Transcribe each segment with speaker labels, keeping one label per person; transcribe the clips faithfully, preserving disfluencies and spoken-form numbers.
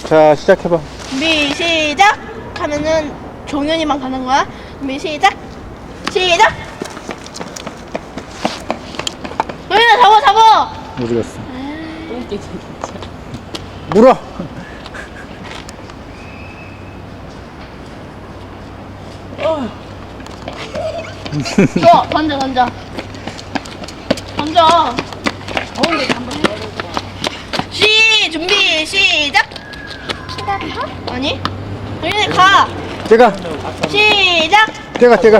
Speaker 1: 자, 시작해봐.
Speaker 2: 준비 시작 하면은 종현이만 가는 거야. 준비 시작 시작. 종현아 잡아 잡아.
Speaker 1: 어디 갔어? 물어.
Speaker 2: 줘 던져 던져 던져.
Speaker 3: 더운데 한번 해보자.
Speaker 2: 시 준비 시작. 아니 종현이 가.
Speaker 1: 제가,
Speaker 2: 시작.
Speaker 1: 제가, 제가.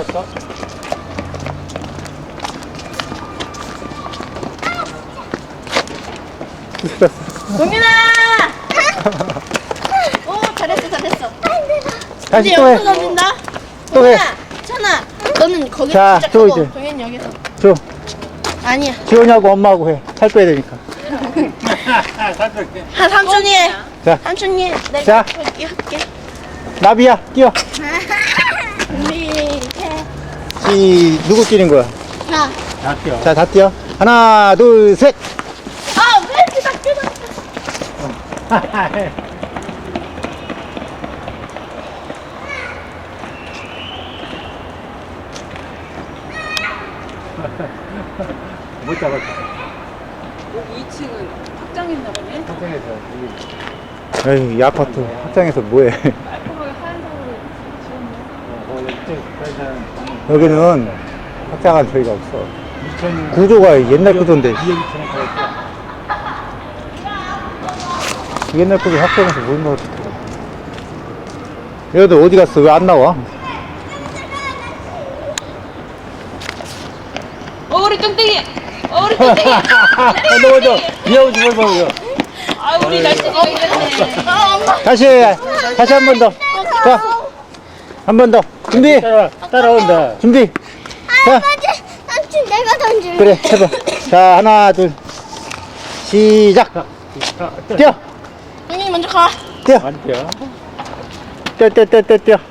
Speaker 2: 종현아. 오 잘했어 잘했어.
Speaker 1: 다시
Speaker 2: 이제
Speaker 1: 또 해.
Speaker 2: 여기서 던진다.
Speaker 1: 또 해.
Speaker 2: 찬아 너는 거기서
Speaker 1: 자, 또
Speaker 2: 시작하고
Speaker 1: 이제.
Speaker 2: 종현이 여기서.
Speaker 1: 줘.
Speaker 2: 아니야.
Speaker 1: 지원이하고 엄마하고 해. 살 빼야 되니까.
Speaker 2: 한 삼촌이 해.
Speaker 1: 자,
Speaker 2: 삼촌이 해. 내가
Speaker 1: 자.
Speaker 2: 여기 할게.
Speaker 1: 나비야, 뛰어.
Speaker 2: 준비 해.
Speaker 1: 시, 누구 뛰는 거야?
Speaker 2: 자.
Speaker 1: 다 뛰어. 자, 다 뛰어. 하나, 둘, 셋.
Speaker 2: 아, 왜 이렇게 다 뜯었어?
Speaker 1: 못 잡았어.
Speaker 3: 여기 이 층은 확장했나 보네.
Speaker 1: 확장해서. 에이, 이 아파트 확장해서 뭐해.
Speaker 3: 깔끔하게 하얀색으로 지었네.
Speaker 1: 여기는 확장한 저희가 없어. 구조가 옛날 구조인데. 옛날 구조 확장해서 뭘 넣었어. 얘들 어디 갔어? 왜 안 나와?
Speaker 3: 어, 우리 뚱땡이! 어, 우리 뚱땡이!
Speaker 1: 넘어져. 미아오지 말고.
Speaker 3: 아, 우리 날씬이가 이랬네.
Speaker 2: 아, 엄마.
Speaker 1: 다시, 다시 한 번 더. 자, 한 번 더. 준비. 따라, 따라온다. 준비. 자,
Speaker 2: 삼촌 내가 던질래.
Speaker 1: 그래, 해봐. 자, 하나, 둘. 시작. 뛰어.
Speaker 2: 종현이 먼저 가.
Speaker 1: 뛰어. 뛰어, 뛰어, 뛰어, 뛰어, 뛰어.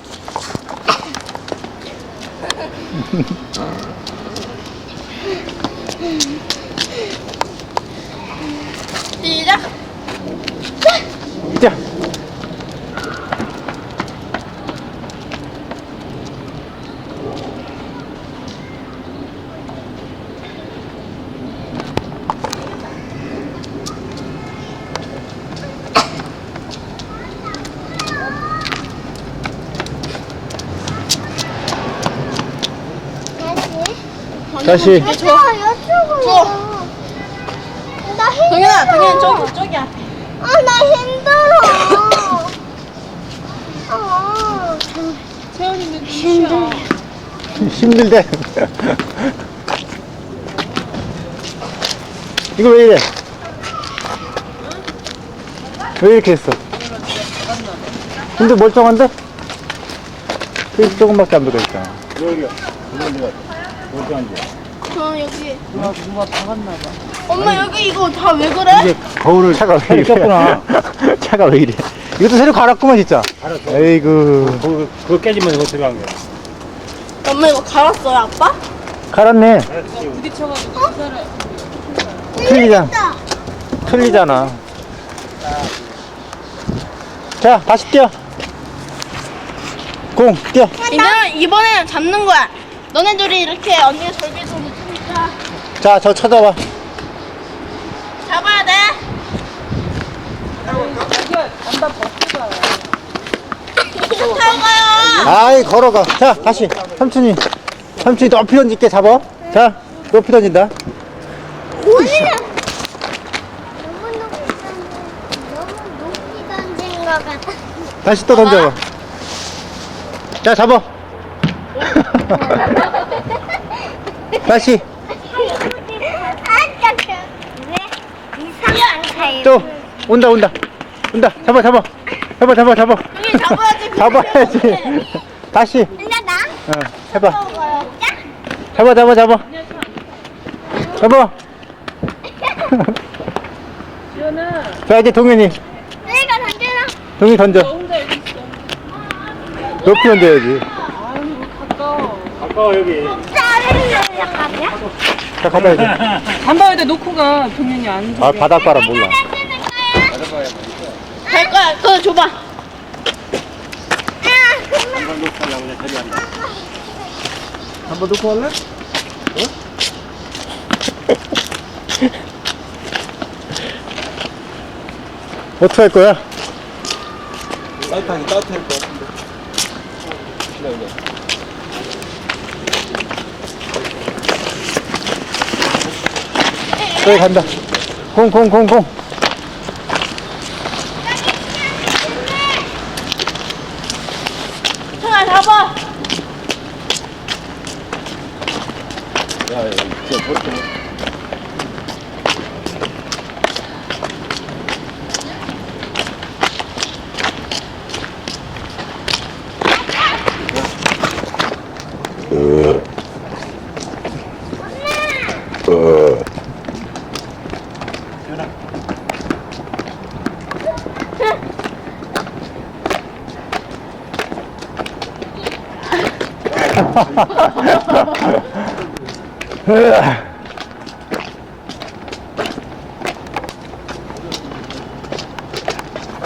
Speaker 2: 시작.
Speaker 1: 뛰어. 다시.
Speaker 2: 줘. 줘.
Speaker 4: 나 힘들어.
Speaker 2: 동현아, 동현 저기 저기 앞에.
Speaker 4: 아, 나 힘들어. 아,
Speaker 3: 채연이는 힘들어.
Speaker 1: 힘들대. 이거 왜 이래? 왜 이렇게 했어? 근데 멀쩡한데? 그 조금밖에 안 들어있잖아.
Speaker 2: 저 여기.
Speaker 3: 누가, 누가 박았나 봐.
Speaker 2: 엄마 여기 이거 다 왜 그래?
Speaker 1: 이게 거울을 차가 왜 이래? 차가 왜 이래? 이것도 새로 갈았구만 진짜. 에이구.
Speaker 5: 그거, 그거 깨지면 이거 들어간 거야.
Speaker 2: 엄마 이거 갈았어요, 아빠?
Speaker 1: 갈았네.
Speaker 3: 부딪혀가지고 그 사람.
Speaker 1: 틀리잖아. 틀리잖아. 자, 다시 뛰어. 공, 뛰어.
Speaker 2: 이번엔 이번에는 잡는 거야. 너네들이 이렇게 언니가 절개 손을 치니까
Speaker 1: 자, 저 쳐다봐.
Speaker 2: 잡아야 돼.
Speaker 3: 안다 벗겨봐.
Speaker 2: 타고 가요.
Speaker 1: 아이, 걸어가. 자, 다시. 삼촌이. 삼촌이 높이 던질게, 잡아. 자, 높이 던진다.
Speaker 4: 너무 높이 던진, 너무 높이 던진 것 같아.
Speaker 1: 다시 또 던져봐. 자, 잡아. 다시.
Speaker 4: 아까 그, 왜 이상한 타입?
Speaker 1: 또. 온다, 온다. 온다. 잡아, 잡아. 잡아, 잡아, 잡아.
Speaker 2: 여기 잡아야지.
Speaker 1: 잡아야지. 다시.
Speaker 4: 근데 나?
Speaker 1: 어, 해봐.
Speaker 4: 먹어요.
Speaker 1: 잡아, 잡아, 잡아. 잡아.
Speaker 3: 지연아,
Speaker 1: 자, 이제 동현이.
Speaker 4: 내가 던지나?
Speaker 1: 동현이 던져.
Speaker 3: 혼자 여기 있어.
Speaker 1: 높이 던져야지.
Speaker 3: 아유, 가까워.
Speaker 5: 가까워, 여기.
Speaker 4: 짜증나, 약간이야?
Speaker 1: 자, 가봐, 이제.
Speaker 3: 담바에다 놓고 가. 동현이 안
Speaker 1: 아, 바닷바람 몰라.
Speaker 4: 던지는 거야?
Speaker 5: 가까워야
Speaker 2: 갈 거야. 그거 줘봐.
Speaker 5: 한번 놓고 하려고 그냥 저리 간다.
Speaker 1: 한 번 놓고 할래? 어떻게 할 거야?
Speaker 6: 따뜻하게 따뜻할 것 같은데. 기다려.
Speaker 1: 여기 간다. 공, 공, 공, 공.
Speaker 2: 형아 잡아.
Speaker 6: 야, 야, 진짜 저렇게.
Speaker 1: 으아.